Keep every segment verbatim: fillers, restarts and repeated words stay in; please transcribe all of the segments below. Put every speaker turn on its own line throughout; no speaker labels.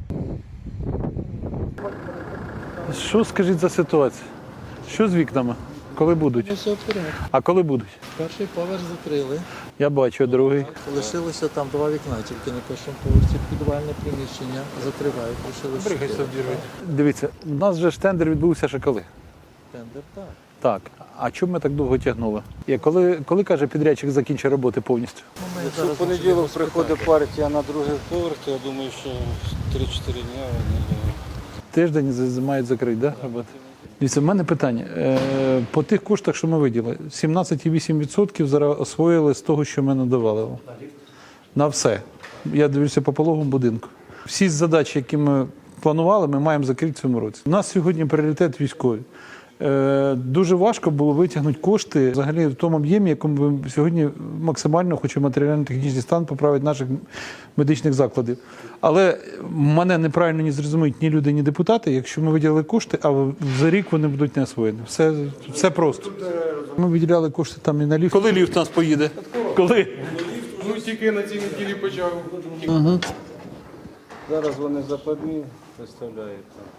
Що скажіть за ситуацію? Що з вікнами? Коли будуть?
Все вперед.
А коли будуть?
Перший поверх закрили.
Я бачу, другий.
Лишилося там два вікна, тільки на першому поверсі підвальне приміщення закривають. Лишилося
Дивіться, у нас же ж тендер відбувся ще коли?
тендер, так.
Так. А чому ми так довго тягнули? І коли, коли каже підрядчик закінчить роботи повністю?
Ну, ми
Якщо
зараз
в понеділок
можемо
приходить
спитати.
партія на другий поверх, то я думаю, що три-чотири дні вони
Тиждень з- мають закрити, да, роботи? Дивіться, в мене питання. Е, По тих коштах, що ми виділили, сімнадцять цілих вісім десятих відсотка зараз освоїли з того, що ми надавали. На все. Я дивлюся по пологовому будинку. Всі задачі, які ми планували, ми маємо закрити в цьому році. У нас сьогодні пріоритет військові. Е, Дуже важко було витягнути кошти взагалі в тому об'ємі, якому ми сьогодні максимально хочемо матеріально-технічний стан поправити наших медичних закладів. Але мене неправильно не зрозуміють ні люди, ні депутати, якщо ми виділили кошти, а за рік вони будуть не освоєні. Все, все просто. Ми виділяли кошти там і на ліфт. Коли ліфт у нас поїде? Коли?
Ну, тільки на цій неділі почав.
зараз вони западні виставляють.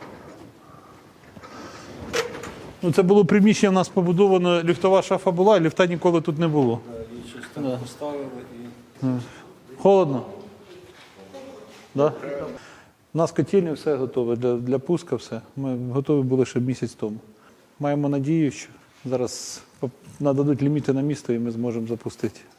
Ну, це було приміщення, в нас побудовано, ліфтова шафа була, і ліфта ніколи тут не було.
Її щось там поставили і
Холодно? Да? У нас котельні все готове, для, для пуска все. Ми готові були ще місяць тому. Маємо надію, що зараз нададуть ліміти на місто і ми зможемо запустити.